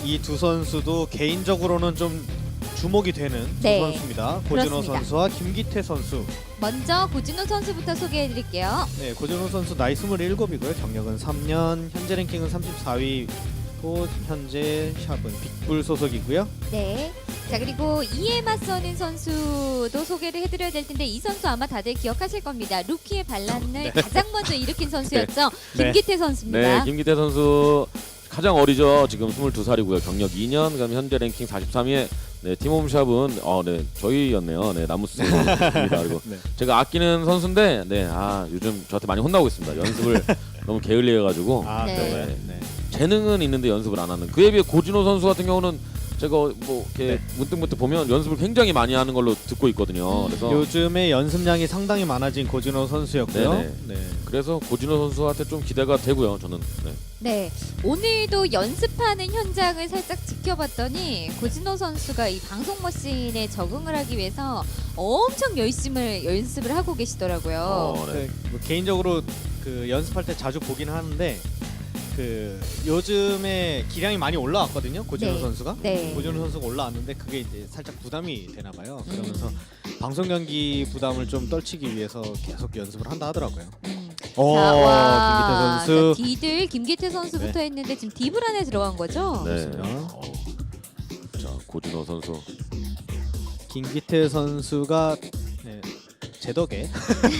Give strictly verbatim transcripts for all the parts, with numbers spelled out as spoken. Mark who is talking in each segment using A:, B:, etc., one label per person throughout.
A: 이 두 선수도 개인적으로는 좀 주목이 되는
B: 네.
A: 두 선수입니다. 고진호
B: 그렇습니다.
A: 선수와 김기태 선수.
B: 먼저 고진호 선수부터 소개해드릴게요.
A: 네, 고진호 선수 나이 스물일곱이고요. 경력은 삼 년, 현재 랭킹은 삼십사 위고 현재 샵은 빅불 소속이고요.
B: 네. 자, 그리고 이에 맞서는 선수도 소개를 해드려야 될 텐데 이 선수 아마 다들 기억하실 겁니다. 루키의 반란을
A: 네.
B: 가장 먼저 일으킨 선수였죠.
A: 네.
B: 김기태 선수입니다.
C: 네, 김기태 선수 가장 어리죠. 지금 스물두 살이고요. 경력 이 년, 그다음 현재 랭킹 사십삼 위에 네, 팀홈샵은 어, 네, 저희였네요. 네, 나무스입니다. 그리고
A: 네.
C: 제가 아끼는 선수인데, 네, 아 요즘 저한테 많이 혼나고 있습니다. 연습을 너무 게을리해가지고
A: 아,
B: 네.
A: 네. 네.
C: 재능은 있는데 연습을 안 하는. 그에 비해 고진호 선수 같은 경우는 제가 뭐 이렇게
A: 네.
C: 문득문득 보면 연습을 굉장히 많이 하는 걸로 듣고 있거든요.
B: 음.
C: 그래서
A: 요즘에 연습량이 상당히 많아진 고진호 선수였고요.
C: 네네.
A: 네.
C: 그래서 고진호 선수한테 좀 기대가 되고요. 저는. 네.
B: 네, 오늘도 연습하는 현장을 살짝 지켜봤더니 고진호 선수가 이 방송 머신에 적응을 하기 위해서 엄청 열심을 연습을 하고 계시더라고요.
C: 어, 네.
A: 네, 뭐 개인적으로 그 연습할 때 자주 보긴 하는데 그 요즘에 기량이 많이 올라왔거든요. 고진호
B: 네.
A: 선수가.
B: 네.
A: 고진호 선수가 올라왔는데 그게 이제 살짝 부담이 되나 봐요. 그러면서
B: 음.
A: 방송 경기 부담을 좀 떨치기 위해서 계속 연습을 한다 하더라고요.
B: 음.
A: 오,
B: 자, 와,
A: 김기태 선수.
B: 자, 디들 김기태 선수부터 했는데 지금 디블 안에 들어간 거죠?
C: 네.
A: 그렇습니다.
C: 어. 자, 고진호 선수.
A: 김기태 선수가 네, 제 덕에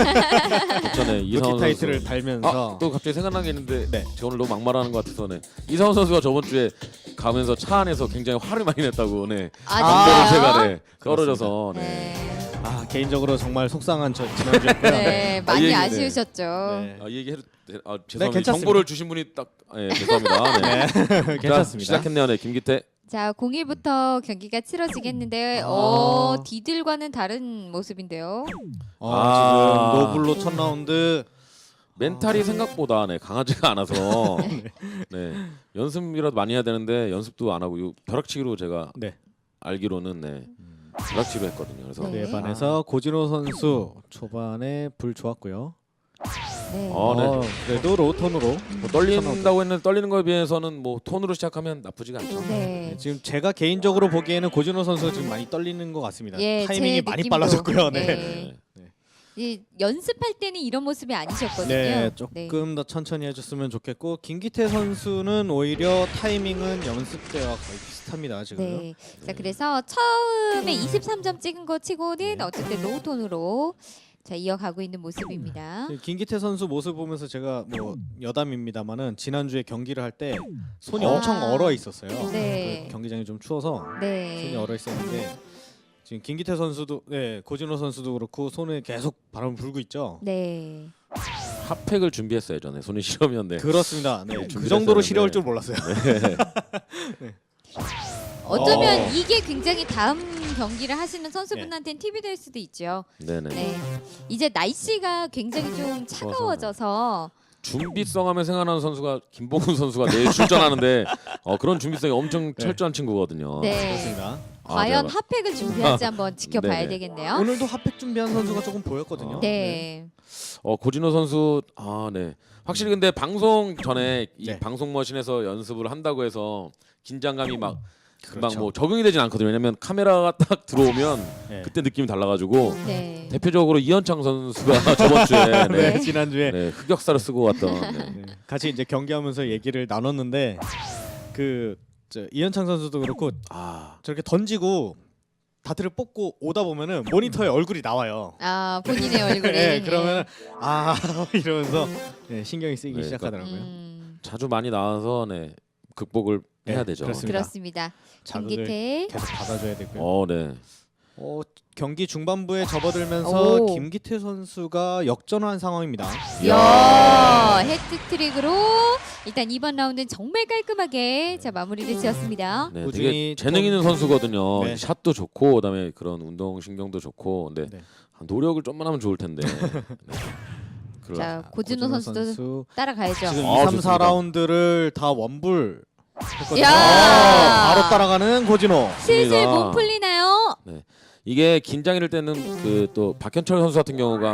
C: 전에
A: 루키
C: 이상원
A: 타이틀을
C: 선수.
A: 달면서
C: 아, 또 갑자기 생각난 게 있는데
A: 네.
C: 제가 오늘 너무 막말하는 것 같아서 네. 이상원 선수가 저번 주에 가면서 차 안에서 굉장히 화를 많이 냈다고 네.
B: 아,
C: 담배를
B: 진짜요?
C: 제가 네. 떨어져서 네.
B: 네.
A: 아 개인적으로 정말 속상한 저 지난주였고요.
B: 네,
C: 아,
B: 많이
C: 이 얘기, 네.
B: 아쉬우셨죠.
A: 네.
C: 아, 이 얘기 해도 돼- 아, 죄송합니다.
A: 괜찮습니다.
C: 정보를 주신 분이 딱 예, 죄송합니다. 네.
A: 네, 괜찮습니다.
C: 자, 시작했네요. 네, 김기태.
B: 자, 공일부터 경기가 치러지겠는데
A: 아.
B: 어, 디들과는 다른 모습인데요.
A: 어,
C: 아.
A: 지금 노블로 첫 라운드
C: 멘탈이 생각보다 네, 강하지가 않아서 네. 연습이라도 많이 해야 되는데 연습도 안 하고 요 벼락치기로 제가
A: 네.
C: 알기로는 네. 벼락치기로 했거든요. 그래서
B: 네.
A: 그에 반해서 고진호 선수 초반에 불 좋았고요.
B: 네.
C: 어, 네.
A: 어, 그래도 로톤으로
C: 뭐 떨린다고 했는데 떨리는 거에 비해서는 뭐 톤으로 시작하면 나쁘지가 않죠.
B: 네.
A: 네, 지금 제가 개인적으로 보기에는 고진호 선수가 지금 많이 떨리는 것 같습니다.
B: 예,
A: 타이밍이
B: 제
A: 많이
B: 느낌도.
A: 빨라졌고요. 네.
B: 네.
C: 네.
B: 이 연습할 때는 이런 모습이 아니셨거든요.
A: 네, 조금 더 천천히 해줬으면 좋겠고 김기태 선수는 오히려 타이밍은 연습 때와 거의 비슷합니다. 지금.
B: 네. 자, 그래서 처음에 이십삼 점 찍은 거 치고는
A: 네.
B: 어쨌든 로우 톤으로 자, 이어가고 있는 모습입니다.
A: 김기태 선수 모습 보면서 제가 뭐 여담입니다만은 지난주에 경기를 할 때 손이
B: 아.
A: 엄청 얼어 있었어요.
B: 네.
A: 그 경기장이 좀 추워서
B: 네.
A: 손이 얼어 있었는데 지금 김기태 선수도 네 고진호 선수도 그렇고 손에 계속 바람을 불고 있죠.
B: 네.
C: 핫팩을 준비했어요. 전에 손이 시려면 네.
A: 그렇습니다. 네, 그
C: 준비를
A: 정도로
C: 했었는데.
A: 시려울 줄 몰랐어요.
B: 어쩌면
C: 어.
B: 이게 굉장히 다음 경기를 하시는 선수분한테는 팁이 될 수도 있죠.
C: 네네.
B: 네. 이제 날씨가 굉장히 좀 차가워져서
C: 준비성 하면 생각나는 선수가 김봉훈 선수가 내일 출전하는데 어, 그런 준비성이 엄청
A: 네.
C: 철저한 친구거든요.
B: 네.
A: 그렇습니다.
C: 아,
B: 과연
C: 제가-
B: 핫팩을 준비할지 한번 지켜봐야
C: 네네.
B: 되겠네요.
A: 오늘도 핫팩 준비한 선수가 조금 보였거든요.
B: 네.
C: 어 고진호 선수 아 네. 확실히 근데 방송 전에 이
A: 네.
C: 방송 머신에서 연습을 한다고 해서 긴장감이 막 금방
A: 그렇죠.
C: 뭐 적응이 되진 않거든요. 왜냐면 카메라가 딱 들어오면
A: 네.
C: 그때 느낌이 달라가지고
B: 네.
C: 대표적으로 이현창 선수가 저번 주에 네.
A: 네, 지난주에
C: 네, 흑역사를 쓰고 왔던 네.
A: 네, 같이 이제 경기하면서 얘기를 나눴는데 그 저, 이현창 선수도 그렇고
C: 아
A: 저렇게 던지고 다트를 뽑고 오다 보면은 모니터에 얼굴이 나와요.
B: 아, 본인의 얼굴에.
A: 네, 그러면 아 이러면서 네, 신경이 쓰이기
C: 네,
A: 시작하더라고요.
B: 음,
C: 자주 많이 나와서 네 극복을
A: 네,
C: 해야 되죠.
A: 그렇습니다.
B: 그렇습니다.
A: 자극을
B: 김기태.
A: 계속 받아줘야 되고요.
C: 어 네.
A: 어, 경기 중반부에 접어들면서
B: 오.
A: 김기태 선수가 역전한 상황입니다.
B: 야, 해트트릭으로 일단 이번 라운드는 정말 깔끔하게 자 마무리를 지었습니다.
C: 네,
A: 꾸준히
C: 되게 재능 있는 선수거든요.
A: 네.
C: 샷도 좋고 그다음에 그런 운동 신경도 좋고 근데
A: 네.
C: 노력을 좀만 하면 좋을 텐데. 네. 그러-
B: 자, 고진호 선수도
A: 선수
B: 따라가야죠.
A: 지금
C: 아,
A: 이, 삼,
C: 좋습니다.
A: 사 라운드를 다 원불 했거든요.
B: 야!
A: 아, 바로 따라가는 고진호.
B: 슬슬
C: 좋습니다.
B: 몸 풀리나요?
C: 이게 긴장일 때는 그 또 박현철 선수 같은 경우가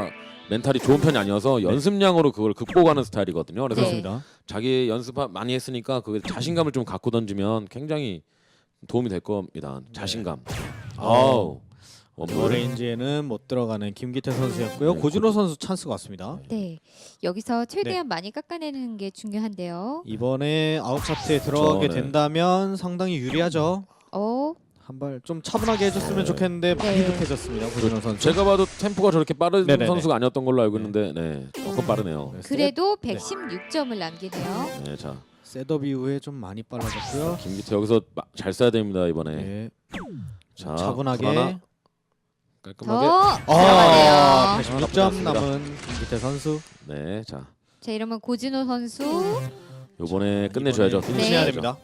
C: 멘탈이 좋은 편이 아니어서 연습량으로 그걸 극복하는 스타일이거든요. 그래서
B: 네.
A: 그렇습니다.
C: 자기 연습 많이 했으니까 그 자신감을 좀 갖고 던지면 굉장히 도움이 될 겁니다. 자신감. 아우. 원볼.
A: 어레인지에는 못 들어가는 김기태 선수였고요.
C: 네,
A: 고진호 선수 찬스가 왔습니다.
B: 네. 여기서 최대한 많이 깎아내는 게 중요한데요.
A: 이번에 아웃 차트에 들어가게
C: 네.
A: 된다면 상당히 유리하죠.
B: 어,
A: 한 발 좀 차분하게 해줬으면
C: 네.
A: 좋겠는데 많이
B: 네.
A: 급해졌습니다. 고진호 선수.
C: 제가 봐도 템포가 저렇게 빠른
A: 네네네.
C: 선수가 아니었던 걸로 알고 있는데 네. 조금 빠르네요.
A: 네,
B: 그래도 백십육 점을 남기네요.
C: 네, 자.
A: 셋업 이후에 좀 많이 빨라졌고요.
C: 김기태 여기서 마- 잘 써야 됩니다, 이번에.
A: 네.
C: 자,
A: 차분하게.
C: 불안하- 깔끔하게.
B: 더
A: 아,
B: 들어가네요.
A: 백십육 점
C: 나쁘지 않습니다.
A: 남은 김기태 선수.
C: 네, 자.
B: 자, 이러면 고진호 선수
C: 요번에 끝내줘야죠.
A: 이번에
C: 피니시
B: 네.
A: 해야
C: 해야죠.
A: 됩니다.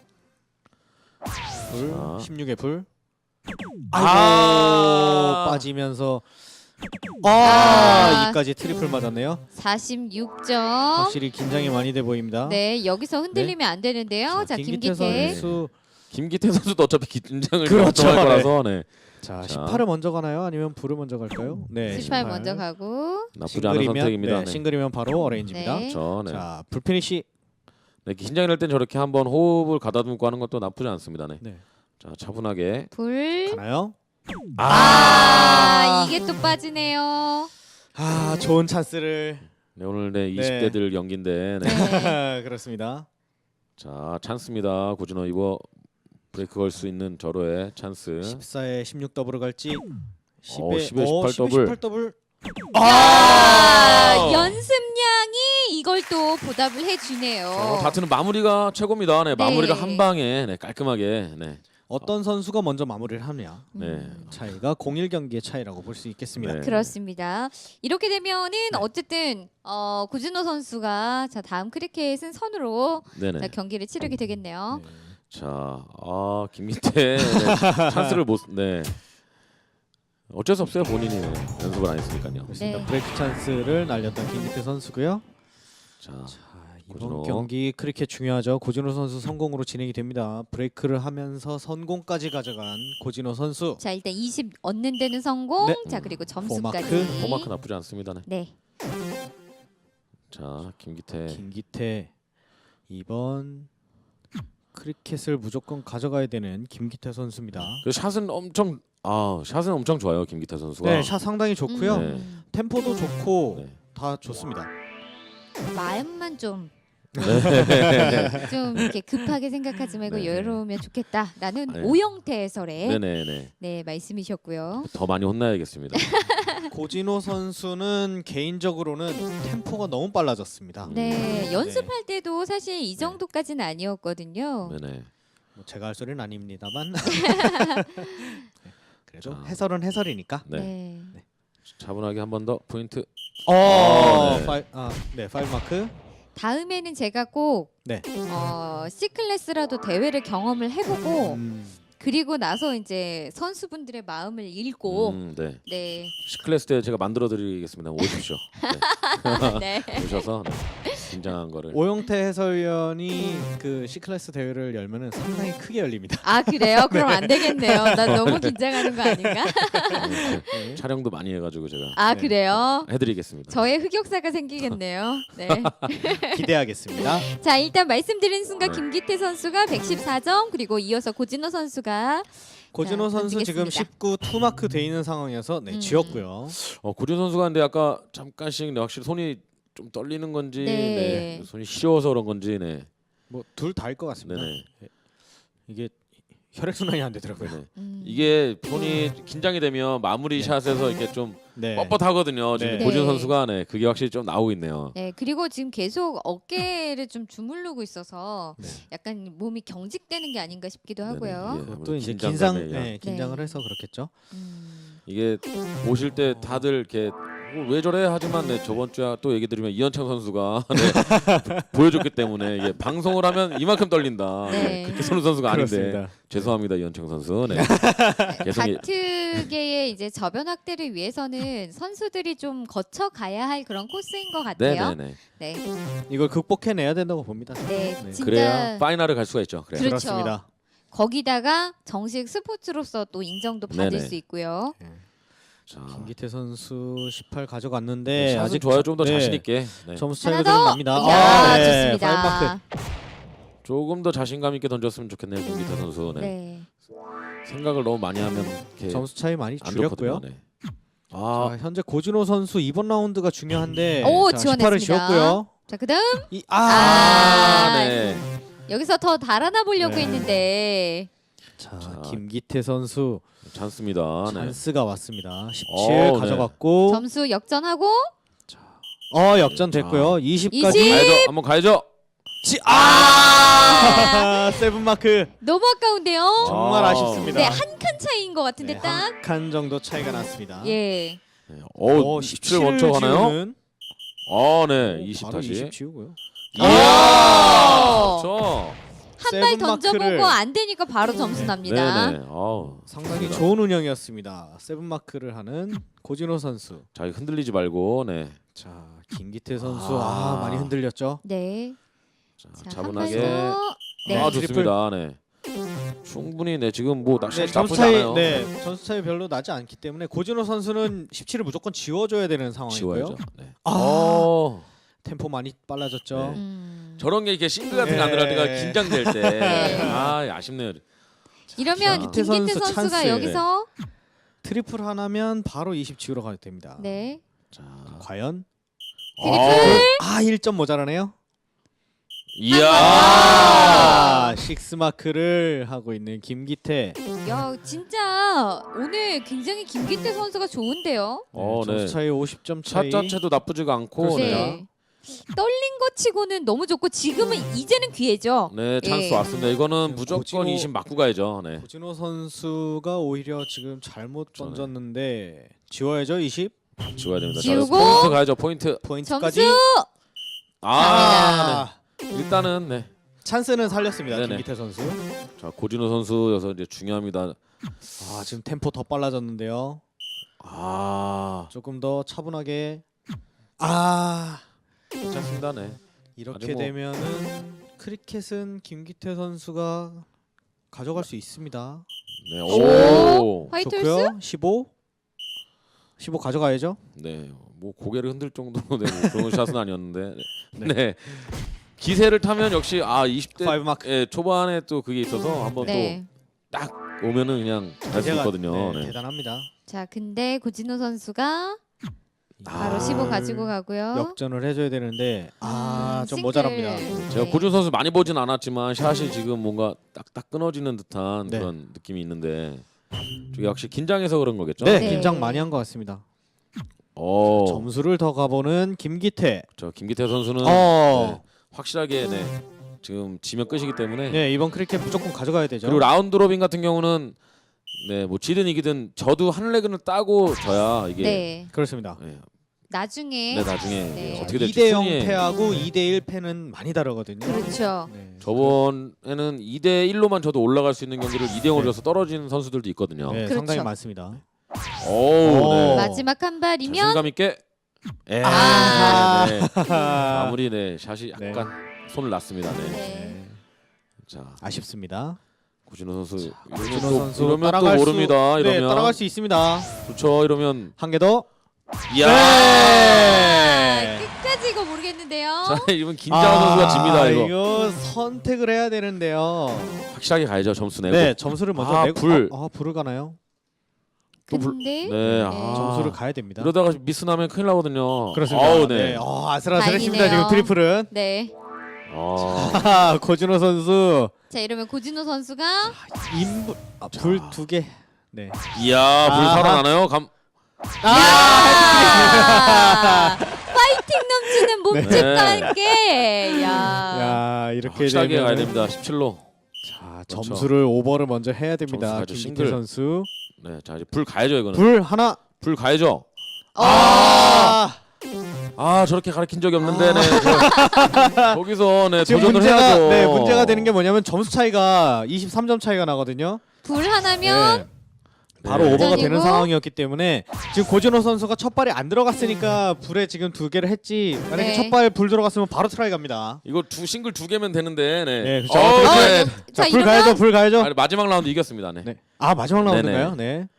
A: 불
C: 자.
A: 십육에 불.
C: 아.
A: 아이고 빠지면서 아,
B: 아.
A: 이까지 트리플 맞았네요.
B: 사십육 점.
A: 확실히 긴장이 많이 돼 보입니다.
B: 네, 여기서 흔들리면 안 되는데요. 자,
A: 김기태
B: 김기태.
A: 선수.
C: 김기태 선수도 어차피 긴장을
A: 그렇죠.
C: 할
A: 네.
C: 거라서 네.
A: 자,
C: 자.
A: 십팔을 먼저 가나요? 아니면 불을 먼저 갈까요? 네,
B: 십팔 먼저 가고.
C: 나쁘지 않은 선택입니다.
A: 네,
C: 네.
A: 싱글이면 바로 어레인지입니다.
B: 네.
C: 저, 네.
A: 자, 불 피니시.
C: 네, 긴장이 날 땐 저렇게 한번 호흡을 가다듬고 하는 것도 나쁘지 않습니다. 네.
A: 네.
C: 자, 차분하게.
B: 불.
A: 가나요?
B: 아, 이게 또 빠지네요.
A: 아, 좋은 찬스를.
C: 네, 오늘 네 이십 대들 연기인데. 네.
B: 네.
A: 그렇습니다.
C: 자, 찬스입니다. 고진호 이거 브레이크 걸 수 있는 절호의 찬스.
A: 십사에 십육 더블을 갈지.
C: 어, 십에 십팔 더블.
A: 십팔 더블.
B: 아, 연습량이 이걸 또 보답을 해주네요.
C: 어, 다트는 마무리가 최고입니다. 네,
B: 네.
C: 마무리가 한 방에 네, 깔끔하게. 네.
A: 어떤 선수가 먼저 마무리를 하느냐.
C: 네.
A: 차이가 공일 경기의 차이라고 볼 수 있겠습니다.
C: 네.
B: 그렇습니다. 이렇게 되면은
A: 네.
B: 어쨌든 어, 고진호 선수가 자 다음 크리켓은 선으로
C: 네, 네.
B: 자, 경기를 치르게 되겠네요.
A: 네.
C: 자, 아, 김민태 네, 찬스를 못 네. 어쩔 수 없어요. 본인이 네, 연습을 안 했으니까요.
A: 그렇습니다.
B: 네.
A: 브레이크 찬스를 날렸던 김기태 선수고요.
C: 자,
A: 자, 이번
C: 고진호.
A: 경기 크리켓 중요하죠. 고진호 선수 성공으로 진행이 됩니다. 브레이크를 하면서 선공까지 가져간 고진호 선수.
B: 자 일단 이십 얻는 데는 성공.
A: 네.
B: 자 그리고
A: 포마크.
B: 점수까지.
C: 포마크 나쁘지 않습니다. 네.
B: 네.
C: 자, 김기태.
A: 김기태 이번 크리켓을 무조건 가져가야 되는 김기태 선수입니다.
C: 그 샷은 엄청 아, 샷은 엄청 좋아요. 김기태 선수가.
A: 네, 샷 상당히 좋고요.
B: 음,
A: 템포도 좋고
C: 네.
A: 다 좋습니다.
B: 마음만 좀.
C: 네.
B: 좀 이렇게 급하게 생각하지 말고
C: 네.
B: 여유로우면 좋겠다라는
C: 네.
B: 오영태 해설의
C: 네, 네, 네.
B: 네 말씀이셨고요.
C: 더 많이 혼나야겠습니다.
A: 고진호 선수는 개인적으로는 템포가 너무 빨라졌습니다.
C: 음.
B: 네 연습할 때도 사실 이 정도까지는 아니었거든요.
C: 네, 네.
A: 뭐 제가 할 소리는 아닙니다만 네, 그래도
C: 자.
A: 해설은 해설이니까.
C: 네.
B: 네.
C: 차분하게 한 번 더 포인트.
A: 어,
C: 네.
A: 파이, 아, 네, 파이브 마크.
B: 다음에는 제가 꼭
A: 네.
B: 어, C 클래스라도 대회를 경험을 해보고
A: 음,
B: 그리고 나서 이제 선수분들의 마음을 읽고
C: 음, 네.
B: 네.
C: C클래스 때 제가 만들어 드리겠습니다. 오십시오. 네.
B: 네.
C: 오셔서 네. 긴장한 거를.
A: 오영태 해설위원이 그 C 클래스 대회를 열면은 상당히 크게 열립니다.
B: 아 그래요? 그럼 안 되겠네요. 나 너무 긴장하는 거 아닌가?
C: 네.
A: 네.
C: 촬영도 많이 해가지고 제가
B: 아
A: 네.
B: 그래요?
C: 해드리겠습니다.
B: 저의 흑역사가 생기겠네요. 네.
A: 기대하겠습니다.
B: 자 일단 말씀드린 순간
C: 네.
B: 김기태 선수가 백십사 점 그리고 이어서 고진호 선수가
A: 고진호
B: 자,
A: 선수 지금
B: 던지겠습니다.
A: 십구 투 마크 돼 있는 상황이어서 네,
B: 음.
A: 지웠고요.
C: 어, 고진 선수가 근데 아까 잠깐씩 네, 확실히 손이 좀 떨리는 건지,
B: 네.
C: 네. 손이 시려워서 그런 건지, 네,
A: 뭐 둘 다일 것 같습니다.
C: 네네.
A: 이게 혈액 순환이 안 되더라고요.
C: 네네.
B: 음.
C: 이게 손이 긴장이 되면 마무리
A: 네.
C: 샷에서 이렇게 좀
A: 네.
C: 뻣뻣하거든요. 지금
A: 네.
C: 고진
B: 네.
C: 선수가 네, 그게 확실히 좀 나오고 있네요.
B: 네 그리고 지금 계속 어깨를 좀 주물르고 있어서
A: 네.
B: 약간 몸이 경직되는 게 아닌가 싶기도
C: 네네.
B: 하고요.
C: 예,
A: 또 이제
C: 긴장감에
A: 긴장,
C: 의한.
A: 네, 긴장을
B: 네.
A: 해서 그렇겠죠.
B: 음.
C: 이게 보실 때 다들 이렇게 뭐 왜 저래 하지만 네, 저번 주에 또 얘기 드리면 이현창 선수가 네, 보여줬기 때문에 이게 방송을 하면 이만큼 떨린다.
B: 네.
C: 네, 그렇게 쏘는 선수가 아닌데
A: 그렇습니다.
C: 죄송합니다 이현창 선수. 네. 계속 이-
B: 다트계의 이제 저변 확대를 위해서는 선수들이 좀 거쳐 가야 할 그런 코스인 것 같아요.
C: 네네네.
B: 네,
A: 이걸 극복해내야 된다고 봅니다.
B: 네,
A: 네.
B: 진짜
C: 그래야 파이널을 갈 수가 있죠. 그래야.
B: 그렇죠.
A: 그렇습니다.
B: 거기다가 정식 스포츠로서 또 인정도 받을
C: 네네.
B: 수 있고요.
C: 자,
A: 김기태 선수 십팔 가져갔는데
C: 샷은
A: 아직
C: 좋아요. 좀 더
A: 네,
C: 자신 있게. 네.
A: 점수
B: 하나
A: 차이가 좀
B: 더.
A: 납니다.
B: 야,
A: 아, 네.
B: 좋습니다.
A: 파이브 마크.
C: 조금 더 자신감 있게 던졌으면 좋겠네요, 김기태 선수. 네.
B: 네.
C: 생각을 너무 많이 하면 이렇게
A: 점수 차이 많이
C: 안
A: 줄였고요.
C: 좋거든요. 네. 아,
A: 자, 현재 고진호 선수 이번 라운드가 중요한데
B: 오,
A: 자,
B: 지원했습니다.
A: 십팔을 지웠고요.
B: 자, 그다음
A: 이, 아,
B: 아,
C: 네.
B: 여기서 더 달아나 보려고
A: 네.
B: 했는데
A: 자,
C: 자,
A: 김기태 선수
C: 찬스입니다. 네.
A: 찬스가 왔습니다. 십칠
C: 어, 네.
A: 가져갔고
B: 점수 역전하고
A: 어 역전 됐고요. 이십까지
B: 이십.
C: 가야죠. 한번 가야죠.
A: 지, 아! 세븐 마크
B: 너무 아까운데요.
A: 정말
C: 아.
A: 아쉽습니다.
B: 네, 한 칸 차이인 것 같은데
A: 네,
B: 딱.
A: 한 칸 정도 차이가 났습니다.
B: 예.
C: 네. 오, 십칠 먼저 가나요?
A: 지우는
C: 아, 네. 이십
A: 바로
C: 다시.
A: 이십 지우고요.
C: 이야!
B: 오!
C: 그렇죠.
B: 한 발
A: 세븐
B: 던져보고
A: 마크를-
B: 안 되니까 바로 점수
A: 네.
B: 납니다.
C: 네네. 아우,
A: 상당히
C: 좋습니다.
A: 좋은 운영이었습니다. 세븐 마크를 하는 고진호 선수.
C: 자, 흔들리지 말고, 네.
A: 자, 김기태 선수
C: 아.
A: 아, 많이 흔들렸죠.
B: 네.
C: 자,
B: 자,
C: 차분하게.
B: 한 발 더. 네.
C: 아,
A: 트리플.
C: 좋습니다. 네. 충분히 네 지금 뭐
A: 네,
C: 낚시
A: 점수
C: 나쁘지
A: 차이
C: 않아요.
A: 네, 점수 차이 별로 나지 않기 때문에 고진호 선수는 십칠을 무조건 지워줘야 되는 상황이고요.
C: 지워야죠. 네.
A: 아.
C: 어,
A: 템포 많이 빨라졌죠.
C: 네.
B: 음.
C: 저런 게 이렇게 싱글 같은 게 안
A: 네.
C: 들어갈 때가 긴장될 때.
B: 네.
C: 아, 아쉽네요.
B: 이러면
C: 김기태
B: 김기태
A: 선수
B: 선수가
A: 찬스.
B: 여기서
A: 트리플 하나면 바로 이십 지우러 가도 됩니다.
B: 네.
C: 자,
A: 과연
B: 트리플.
A: 아 일 점 모자라네요.
C: 이야.
A: 아, 식스 마크를 하고 있는 김기태.
B: 야, 진짜 오늘 굉장히 김기태 선수가 좋은데요.
C: 어,
A: 점수
C: 네.
A: 차이 오십 점
C: 샷
A: 차이.
C: 자체도 나쁘지가 않고,
A: 그렇습니다.
C: 네.
B: 네. 떨린 것 치고는 너무 좋고 지금은 이제는 기회죠.
C: 네, 찬스
B: 예.
C: 왔습니다. 이거는 무조건
A: 고진호-
C: 이십 맞고 가야죠. 네.
A: 고진호 선수가 오히려 지금 잘못
C: 저는-
A: 던졌는데 지워야죠. 이십
C: 지워야 됩니다. 자,
B: 지우고.
C: 포인트 가야죠. 포인트.
A: 포인트까지.
B: 점수.
C: 아,
A: 아,
C: 네. 일단은 네.
A: 찬스는 살렸습니다.
C: 네네.
A: 김기태 선수.
C: 자, 고진호 선수여서 이제 중요합니다.
A: 아, 지금 템포 더 빨라졌는데요.
C: 아,
A: 조금 더 차분하게. 아,
C: 괜찮습니다. 네.
A: 이렇게
C: 아직 뭐-
A: 되면은 크리켓은 김기태 선수가 가져갈 수 있습니다.
C: 네.
B: 오.
C: 오.
B: 화이트홀스?
A: 좋고요. 십오. 십오 가져가야죠.
C: 네. 뭐 고개를 흔들 정도로 네, 뭐 그런 샷은 아니었는데.
A: 네.
C: 네. 기세를 타면 역시 아 이십 대
A: 파이브 마크.
C: 예, 초반에 또 그게 있어서 한번
B: 네.
C: 또 딱 오면은 그냥 갈 수
A: 기세가-
C: 있거든요.
A: 네,
C: 네.
A: 대단합니다.
B: 자, 근데 고진호 선수가 바로
C: 아.
B: 십오 가지고 가고요.
A: 역전을 해줘야 되는데 아,
B: 음,
A: 좀
B: 싱글.
A: 모자랍니다.
C: 제가
B: 네.
C: 고준 선수 많이 보진 않았지만 샷이 지금 뭔가 딱딱 끊어지는 듯한
A: 네.
C: 그런 느낌이 있는데 저 역시 긴장해서 그런 거겠죠?
A: 네,
B: 네.
A: 긴장 많이 한 것 같습니다.
C: 어,
A: 점수를 더 가보는 김기태.
C: 저 김기태 선수는
A: 어,
C: 네, 확실하게 네, 지금 지면 끝이기 때문에
A: 네 이번 크리켓 무조건 가져가야 되죠.
C: 그리고 라운드 로빈 같은 경우는 네, 뭐 지든 이기든 저도 한 레그를 따고 져야 이게
B: 네.
A: 그렇습니다.
C: 네,
B: 나중에
C: 네, 나중에
B: 네.
C: 어떻게 될지
A: 이 대 영
C: 순위에
A: 패하고 이 대 일 패는 많이 다르거든요.
B: 그렇죠.
A: 네.
C: 저번에는 이 대 일로만 저도 올라갈 수 있는 경기를 이 대 영으로
A: 네.
C: 져서 떨어지는 선수들도 있거든요.
A: 네,
B: 그렇죠.
A: 상당히 많습니다.
C: 오,
A: 오.
C: 네.
B: 마지막 한 발이면
C: 자신감 있게 예,
B: 아.
C: 네, 네. 마무리 네 샷이
A: 네.
C: 약간 손을 놨습니다. 네.
B: 네.
A: 네.
C: 자
A: 아쉽습니다.
C: 고진호 선수
A: 고진호
C: 이러면 또,
A: 선수
C: 이러면 또
A: 따라갈 수-
C: 모릅니다.
A: 네,
C: 이러면
A: 따라갈 수 있습니다.
C: 그렇죠. 이러면
A: 한 개 더.
C: 이야.
A: 네.
B: 끝까지 이거 모르겠는데요.
C: 자 이번 김자호 선수가 집니다. 이거
A: 이거 선택을 해야 되는데요.
C: 확실하게 가야죠. 점수 내고.
A: 네, 점수를 먼저
C: 아,
A: 내고
C: 불.
A: 아, 아, 불을 가나요?
C: 또 불-
B: 근데
C: 네. 아.
A: 점수를 가야 됩니다.
C: 이러다가 미스 나면 큰일 나거든요.
A: 그렇습니다.
C: 아우,
A: 네.
C: 네.
A: 어, 아슬아슬했습니다.
B: 다행이네요.
A: 지금 트리플은.
B: 네.
C: 아.
A: 고진호 선수
B: 자, 이러면 고진호 선수가
A: 인불 아, 불 두 개. 네.
C: 이야 불
A: 아하.
C: 살아나나요? 감.
B: 야! 파이팅 넘치는 몸집과
C: 네.
B: 함께. 야.
A: 야, 이렇게
C: 확실하게
A: 되면
C: 가야 됩니다. 십칠로.
A: 자,
C: 그렇죠.
A: 점수를 오버를 먼저 해야 됩니다.
C: 점수 가야죠.
A: 김기태
C: 싱글.
A: 선수.
C: 네. 자 이제 불 가야죠 이거는.
A: 불 하나.
C: 불 가야죠.
A: 아!
C: 아 저렇게 가르친 적이 없는데 네. 저, 거기서 네
A: 지금
C: 도전을
A: 문제가
C: 해야죠.
A: 네, 문제가 되는 게 뭐냐면 점수 차이가 이십삼 점 차이가 나거든요.
B: 불 하나면
A: 네. 바로
C: 네.
A: 오버가
B: 전이고.
A: 되는 상황이었기 때문에 지금 고진호 선수가 첫 발이 안 들어갔으니까 불에 지금 두 개를 했지. 만약에
B: 네.
A: 첫 발 불 들어갔으면 바로 트라이 갑니다.
C: 이거 두 싱글 두 개면 되는데 네.
A: 네, 그렇죠.
C: 어,
A: 어떻게
C: 네.
B: 자,
A: 자, 불
B: 이러면
A: 가야죠. 불 가야죠.
C: 아, 마지막 라운드 이겼습니다. 네.
A: 네. 아, 마지막
C: 네네.
A: 라운드인가요? 네.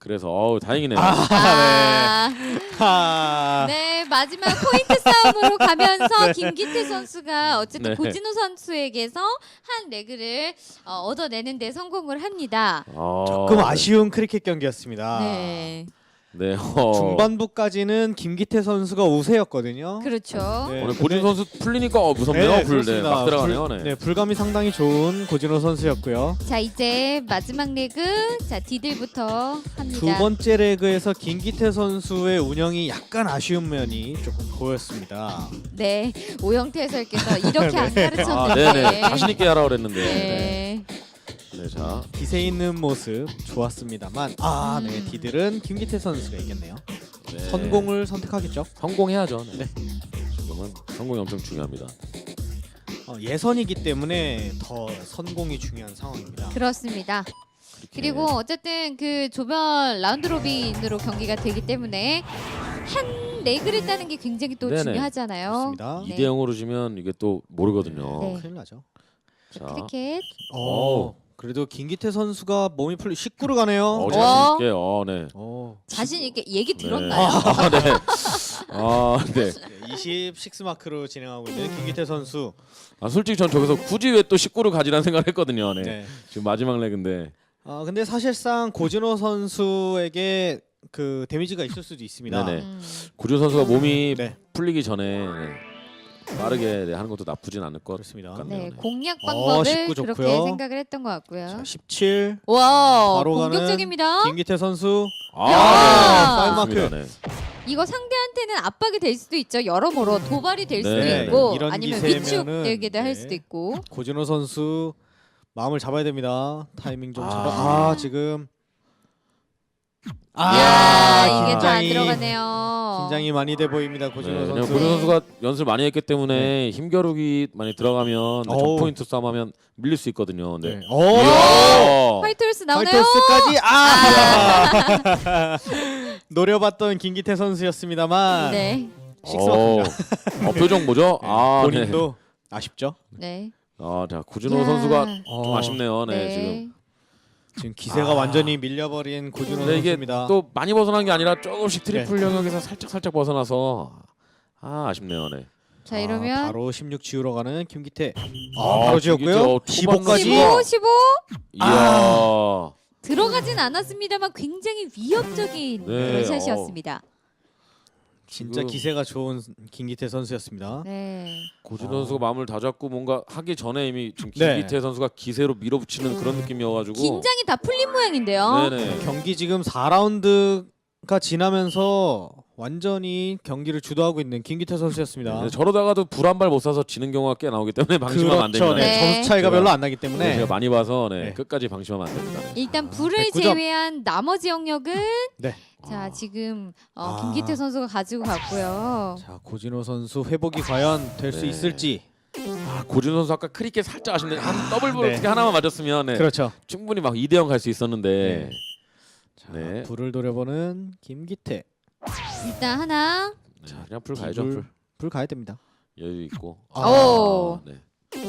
C: 그래서 어우 다행이네요.
B: 아,
A: 하.
B: 네 마지막 포인트 싸움으로 가면서 김기태 선수가 어쨌든
C: 네.
B: 고진호 선수에게서 한 레그를 어, 얻어내는 데 성공을 합니다.
C: 어,
A: 조금 아쉬운 크리켓 경기였습니다.
B: 네,
C: 네. 어.
A: 중반부까지는 김기태 선수가 우세였거든요.
B: 그렇죠.
A: 네,
C: 오늘
A: 근데-
C: 고진 선수 풀리니까 어, 무섭네요.
A: 네,
C: 불, 네,
A: 그렇습니다.
C: 막 들어가네요.
A: 불,
C: 네.
A: 네, 불감이 상당히 좋은 고진호 선수였고요.
B: 자 이제 마지막 레그 자 디들부터 합니다.
A: 두 번째 레그에서 김기태 선수의 운영이 약간 아쉬운 면이 조금 보였습니다.
B: 네 오영태 해설께서 이렇게 안
A: 네.
C: 아,
B: 가르쳤는데.
C: 네네. 자신 있게 하라 그랬는데. 네.
B: 네.
C: 네, 자.
A: 기세 있는 모습 좋았습니다만 아, 네,
B: 음.
A: 디들은 김기태 선수가 이겼네요.
C: 네.
A: 성공을 선택하겠죠.
C: 성공해야죠. 네.
A: 네.
C: 지금은 성공이 엄청 중요합니다.
A: 어, 예선이기 때문에 더 선공이 중요한 상황입니다.
B: 그렇습니다. 그리고 어쨌든 그 조별 라운드 로빈으로 경기가 되기 때문에 한 레그를 따는 게 굉장히 또
C: 네네.
B: 중요하잖아요.
A: 그렇습니다.
B: 네.
C: 이 대 영으로 지면 이게 또 모르거든요.
B: 네.
A: 큰일 나죠.
C: 자.
B: 크리켓.
A: 어, 그래도 김기태 선수가 몸이 풀리 십구로 가네요.
C: 어,
B: 어?
C: 자신 있게. 어, 네.
A: 어,
B: 자신 있게 얘기
C: 네.
B: 들었나요?
C: 아, 네. 아, 네.
A: 이십육 마크로 진행하고 있는 김기태 선수.
C: 아, 솔직히 전 저기서 굳이 왜 또 십구를 가지라는 생각을 했거든요. 네.
A: 네.
C: 지금 마지막 레그인데.
A: 아 근데 사실상 고진호 선수에게 그 데미지가 있을 수도 있습니다.
C: 네네.
B: 음.
C: 구준 선수가 몸이
A: 네,
C: 풀리기 전에 네. 빠르게 네, 하는 것도 나쁘진 않을 것
A: 그렇습니다.
C: 같네요.
B: 네
C: 네.
B: 공략
A: 어,
B: 방법을
A: 십구
B: 그렇게
A: 좋고요.
B: 생각을 했던 것 같고요.
A: 자, 십칠
B: 와
A: 바로 가는
B: 공격적입니다.
A: 김기태 선수.
C: 아,
B: 야!
A: 파이브 마크.
C: 좋습니다. 네.
B: 이거 상대한테는 압박이 될 수도 있죠. 여러모로 도발이 될 수도
C: 네.
B: 있고
A: 이런
B: 아니면
A: 기세면은,
B: 위축되기도 할
A: 네.
B: 수도 있고.
A: 고진호 선수 마음을 잡아야 됩니다. 타이밍 좀
C: 아.
A: 잡아. 아 지금
B: 야 이게 또 안
A: 긴장이-
B: 들어가네요.
A: 긴장이 많이 돼 보입니다. 고진호
C: 네, 그냥
A: 선수.
C: 고준 선수가 연습을 많이 했기 때문에 힘겨루기 많이 들어가면 네,
A: 어우.
C: 점 포인트 싸움하면 밀릴 수 있거든요. 네.
A: 네. 오!
C: 이야.
B: 화이트홀스 나오나요?
A: 화이트홀스까지 아! 노려봤던 김기태 선수였습니다만
B: 네,
C: 어, 어, 표정 뭐죠?
A: 네,
C: 아,
A: 본인도 아쉽죠.
B: 네.
C: 아, 자 구준호
B: 야.
C: 선수가 좀
A: 어,
C: 아쉽네요. 네,
B: 네.
C: 지금.
A: 지금 기세가
C: 아.
A: 완전히 밀려버린 고진호
C: 근데 이게
A: 선수입니다.
C: 또 많이 벗어난 게 아니라 조금씩 트리플
A: 네.
C: 영역에서 살짝 살짝 벗어나서 아, 아쉽네요. 네.
B: 자 이러면
A: 아, 바로 십육 지우러 가는 김기태. 아,
C: 아,
A: 바로
C: 김기태,
A: 지웠고요.
C: 어,
A: 십오까지.
B: 십오, 십오
C: 이야.
B: 들어가진 않았습니다만 굉장히 위협적인
C: 네,
B: 그런 샷이었습니다.
A: 진짜
C: 지금
A: 기세가 좋은 김기태 선수였습니다.
B: 네.
C: 고준
A: 아.
C: 선수가 마음을 다잡고 뭔가 하기 전에 이미 지금
A: 네.
C: 김기태 선수가 기세로 밀어붙이는 그런 느낌이어가지고.
B: 긴장이 다 풀린 모양인데요.
C: 네네.
A: 경기 지금 사 라운드가 지나면서 완전히 경기를 주도하고 있는 김기태 선수였습니다.
C: 네, 저러다가도 불 한 발 못 쏴서 지는 경우가 꽤 나오기 때문에 방심하면 안
A: 그렇죠.
C: 됩니다.
A: 네.
B: 네.
A: 점수 차이가
C: 제가-
A: 별로 안 나기
C: 네,
A: 때문에
C: 제가 많이 봐서 네,
A: 네.
C: 끝까지 방심하면 안 됩니다. 네.
B: 일단 불을
A: 백구 점.
B: 제외한 나머지 영역은
A: 네.
B: 자 지금 어,
A: 아.
B: 김기태 선수가 가지고 갔고요.
A: 자 고진호 선수 회복이 과연 될 수
C: 네.
A: 있을지.
C: 아, 고준 선수 아까 크리켓 살짝 아쉽네. 한 더블 볼
A: 네.
C: 어떻게 하나만 맞았으면 네,
A: 그렇죠.
C: 충분히 막 이 대 영 갈 수 있었는데.
A: 자,
C: 네.
A: 불을 노려보는 김기태.
B: 일단 하나.
C: 자, 그냥 불 가야죠.
A: 불,
C: 불.
A: 불 가야 됩니다.
C: 여유 있고.
A: 아.
B: 오.
C: 네.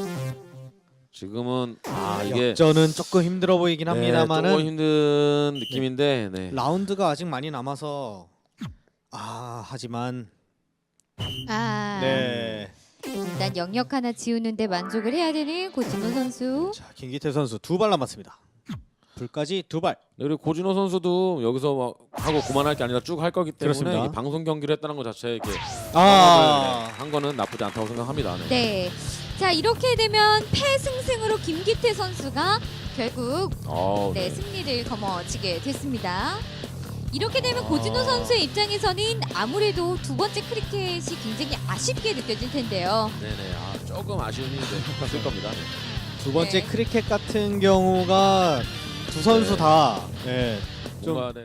C: 지금은 아 이게
A: 역전은 조금 힘들어 보이긴
C: 네,
A: 합니다만은
C: 조금 힘든 느낌인데. 네.
A: 라운드가 아직 많이 남아서 아 하지만
B: 아.
A: 네.
B: 일단 영역 하나 지우는데 만족을 해야 되는 고진호 선수.
A: 자 김기태 선수 두 발 남았습니다. 불까지 두 발.
C: 네, 그리고 고진호 선수도 여기서 막 하고 그만할 게 아니라 쭉 할 거기 때문에
A: 그렇습니다.
C: 이게 방송 경기를 했다는 것 자체에 이렇게
A: 아
C: 한 거는 나쁘지 않다고 생각합니다. 네.
B: 네. 자 이렇게 되면 패승승으로 김기태 선수가 결국
C: 어우,
B: 네,
C: 네.
B: 승리를 거머쥐게 됐습니다. 이렇게 되면
C: 아.
B: 고진호 선수의 입장에서는 아무래도 두 번째 크리켓이 굉장히 아쉽게 느껴질 텐데요.
C: 네네. 아, 조금 아쉬움이 네, 있을 겁니다. 네.
A: 두 번째
B: 네.
A: 크리켓 같은 경우가 두 선수
C: 네.
A: 다 네, 좀
C: 뭔가 네.